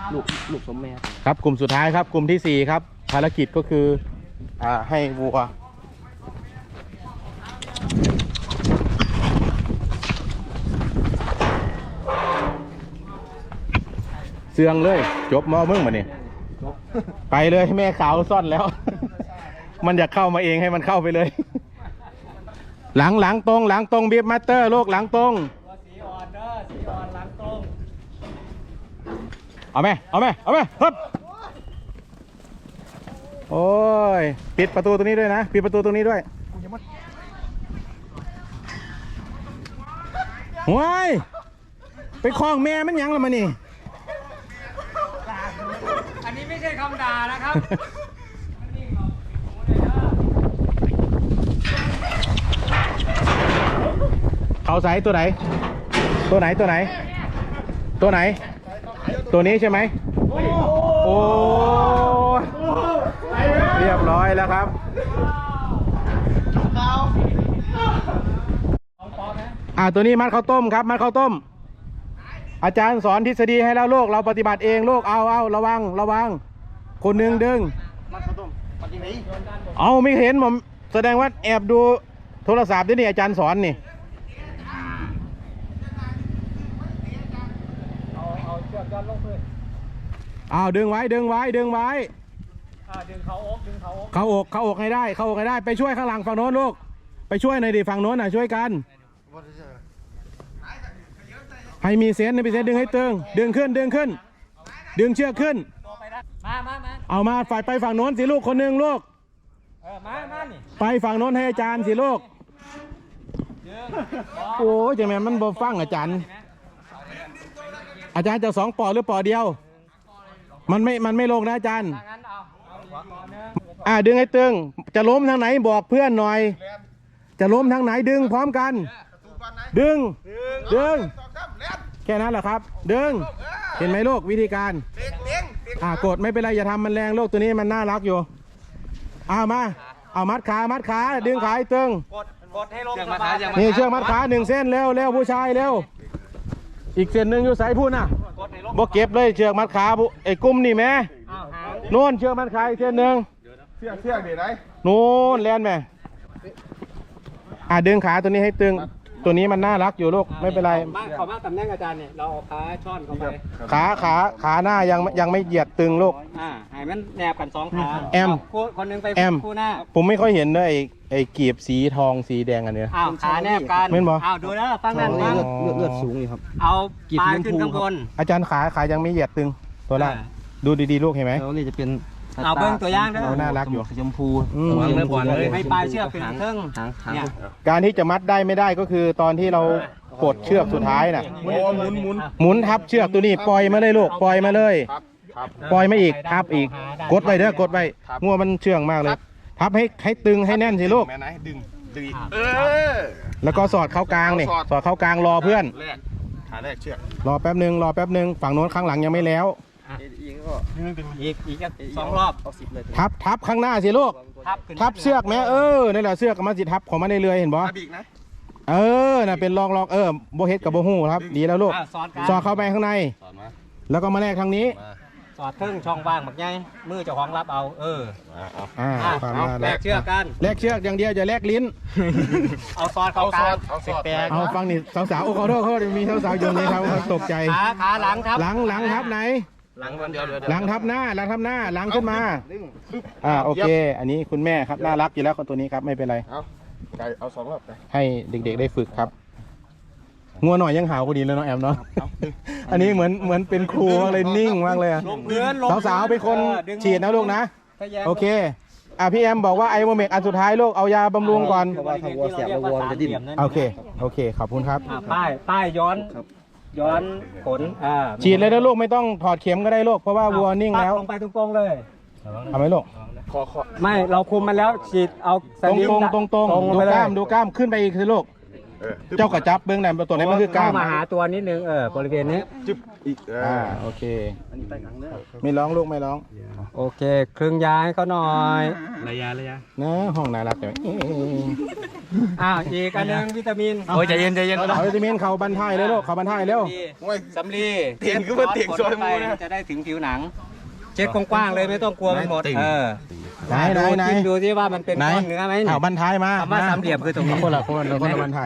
ลูกสมแม่ครับกลุ่มสุดท้ายครับกลุ่มที่4ครับภารกิจก็คือให้วัวเสื่องเลยจบมอมึงมาเนี่ยไปเลยแม่ขาวซ่อนแล้ว มันอยากเข้ามาเองให้มันเข้าไปเลย หลังตรงบีบมาสเตอร์ลูกหลังตรงสีอ่อนเด้อสีอ่อนหลังตรงเอาไหมฮึบโอ้ยปิดประตูตรงนี้ด้วยนะปิดประตูตรงนี้ด้วยห้วยไปคล้องแม่มันยังละมานี่อันนี้ไม่ใช่คำด่านะครับเขาใส่ตัวไหนตัวนี้ใช่ไหมโอ้เรียบร้อยแล้วครับตัวนี้มัดข้าวต้มครับมัดข้าวต้มอาจารย์สอนทฤษฎีให้แล้วโลกเราปฏิบัติเองโลกเอาระวังคนหนึ่งดึงมัดข้าวต้มปฏิบัติเอาไม่เห็นผมแสดงว่าแอบดูโทรศัพท์นี่อาจารย์สอนนี่เอาเชือกยันลงพื้นดึงไว้ดึงเขาอกให้ได้ไปช่วยข้างหลังฝั่งโน้นลูกไปช่วยหน่อยดิฝั่งโน้นช่วยกันให้มีเซนดึงให้ตึงดึงขึ้นดึงเชือกขึ้นเอามาฝ่ายไปฝั่งโน้นสิลูกคนหนึ่งลูกมานี่ไปฝั่งโน้นให้อาจารย์สิลูกโอ้ยจังแม่มันบ่ฟังอาจารย์จะ2 ปอหรือปอเดียวมันไม่ลงนะอาจารย์ดึงให้ตึงจะล้มทางไหนบอกเพื่อนหน่อยจะล้มทางไหนดึงพร้อมกันดึงแค่นั้นแหละครับดึงเห็นไหมลูกวิธีการกดไม่เป็นไรอย่าทำมันแรงลูกตัวนี้มันน่ารักอยู่มัดขาดึงขาให้ตึงกดให้ลงนี่เชือกมัดขา1 เส้นเร็วผู้ชายเร็วอีกเส้นหนึ่งอยู่สายพูดนะบ่เก็บเลยเชือกมัดขาไอ้กุ้มนี่แม่โน่นเชือกมัดขาอีกเส้นหนึ่งเชือกดีไหนโน่นแลนแม่ดึงขาตัวนี้ให้ตึงตัวนี้มันน่ารักอยู่ลูกไม่เป็นไรเขามาตำแหน่งอาจารย์เนี่ยเราเอาขาช่อนเข้าไปขาหน้ายังไม่เหยียดตึงลูกให้มันแนบกัน2 ขาคนนึงไปคู่หน้าผมไม่ค่อยเห็นเลยไอ้กีบสีทองสีแดงอันเนี้ยขาแนบกันไม่บอกดูนะฟังนั่นเลือดสูงนี่ครับเอาปลายขึ้นข้างบนอาจารย์ขายังไม่เหยียดตึงตัวล่างดูดีๆลูกเห็นไหมแล้วนี่จะเป็นเอาเบิ้งตัวย่างด้วยน่ารักอยู่ชมพูให้ปลายเชือกเป็นเทิงเนี่ยการที่จะมัดได้ไม่ได้ก็คือตอนที่เรากดเชือกสุดท้ายน่ะหมุนทับเชือกตัวนี้ปล่อยมาเลยลูกปล่อยมาเลยปล่อยมาอีกทับอีกกดไว้เด้อกดไว้งัวมันเชื่องมากเลยทับให้ตึงให้แน่นสิลูกดึงแล้วก็สอดเข้ากลางนี่สอดเข้ากลางรอเพื่อนขาแรกเชือกรอแป๊บนึงฝั่งโน้นข้างหลังยังไม่แล้วอีก2 รอบเอา10เลยทับข้างหน้าสิลูกทับเชือกแม่นั่นแหละเชือกกับมันสิทับของมันได้เลยเห็นบ่น่ะเป็นลองโบเฮ็ดกับโบหูครับดีแล้วลูกสอดเข้าไปข้างในแล้วก็มาแลกทางนี้สอดครึ่งช่องว่างแบบไงมือเจ้าของรับเอาแลกเชือกกันแลกเชือกอย่างเดียวจะแลกลิ้นเอาซอดเข้ากลางเอาฟังนี่สาวๆขอโทษมีสาวๆอยู่นี่ครับตกใจขาหลังครับหลังทับไหนหลังทับหน้าหลังขึ้นมาโอเคอันนี้คุณแม่ครับน่ารักอยู่แล้วคนตัวนี้ครับไม่เป็นไรเอา2 รอบให้เด็กๆได้ฝึกครับงัวหน่อยยังหาวก็ดีแล้วน้องแอมเนาะอันนี้เหมือนเป็นครูมากเลยนิ่งมากเลยสาวๆเป็นคนฉีดนะลูกนะโอเคพี่แอมบอกว่าไอโมเมกอันสุดท้ายลูกเอายาบำรุงก่อนเพราะว่าถ้าวัวเสียบวัวจะดิ้นโอเคขอบคุณครับป้ายย้อนขนฉีดเลยนะลูกไม่ต้องถอดเข็มก็ได้ลูกเพราะว่าวัวนิ่งแล้วลงไปตรงๆเลยทำไหมลูกไม่เราคุมมันแล้วฉีดเอาตรงดูกล้ามขึ้นไปอีกสิลูกเจ้ากระจับเบื้องในตัวนี้มันคือกล้ามเข้ามาหาตัวนิดนึงบริเวณนี้จึ๊บอีกโอเคไม่ร้องลูกไม่ร้องโอเคครึ่งยาให้เขาหน่อยระยะนะห้องน่ารักแต่อีกอันนึงวิตามินโอ้ยใจเย็นเอาวิตามินเขาบรรทายเลยลูกเขาบรรทายเร็วสำลีเตียงคือว่าเตียงซอยมูนะจะได้ถึงผิวหนัง เช็ดกว้างๆเลยไม่ต้องกลัวมันหมดไหนจิ้มดูที่ว่ามันเป็นก้อนเนื้อไหมเอาบรรทายมาคำว่าสามเหลี่ยมคือตรงนี้คนละบรรทาย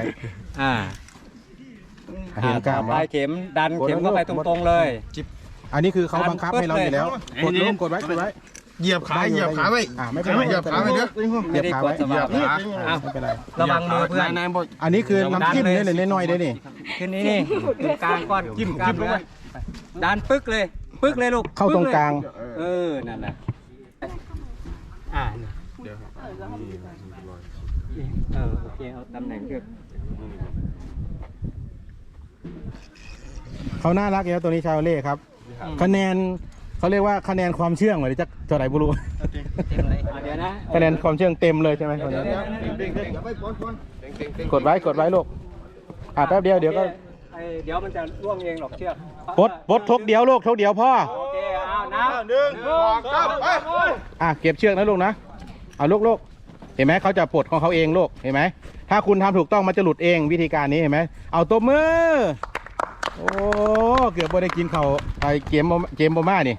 เห็นกล้ามปลายเข็มดันเข็มเข้าไปตรงๆเลยอันนี้คือเขาบังคับให้เราอยู่แล้วกดไว้เหยียบขาไว้ไม่เป็นไรเหยียบขาไว้เด้อเหยียบขาไว้ไม่เป็นไรระวังมือเพื่อนอันนี้คือน้ำจิ้มเนี่ยน้อยๆได้นี่ขึ้นนี่ตรงกลางก้อนจิ้มลงไปดันปึ๊กเลยลูกเข้าตรงกลางนั่นแหละโอเคเอาตำแหน่งเลือกเขาน่ารักแล้วตัวนี้ชาวเล่ครับคะแนนเขาเรียกว่าคะแนนความเชื่องหรือจะเท่าไหร่บุรุษเดี๋ยวนะคะแนนความเชื่องเต็มเลยใช่ไหมกดไว้ลูกแป๊บเดียวเดี๋ยวก็เดี๋ยวมันจะร่วงเองหรอกเชือกปลดทกเดียวลูกทกเดียวพ่อโอเคเอานะเก็บเชือกนะลูกนะเอาลูกเห็นไหมเขาจะปลดของเขาเองลูกเห็นไหมถ้าคุณทำถูกต้องมันจะหลุดเองวิธีการนี้เห็นไหมเอาตบมือโอ้เกือบไม่ได้กินเขาไอเกมบอม่านี่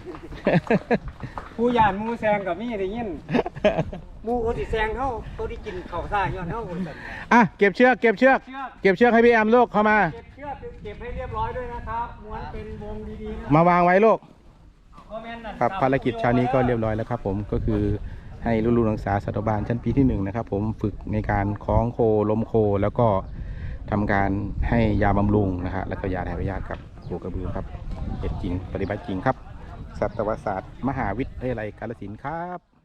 ผู้ยานมูแซงกับมี่ได้ยินมูคนที่แซงเขาตัวที่กินเขาซ่าย้อนเขาเก็บเชือกให้พี่แอมลูกเข้ามาเก็บให้เรียบร้อยด้วยนะครับม้วนเป็นวงดีๆมาวางไว้ลูกครับภารกิจเช้านี้ก็เรียบร้อยแล้วครับผมก็คือให้ลูกๆนักศึกษาสัตวบาลชั้นปีที่1นะครับผมฝึกในการคล้องโคล้มโคแล้วก็ทำการให้ยาบำรุงนะฮะแล้วก็ยาถ่ายพยาธิกับโคกระบือครับเหตุจริงปฏิบัติจริงครับสัตวศาสตร์มหาวิทยาลัยกาฬสินธุ์ครับ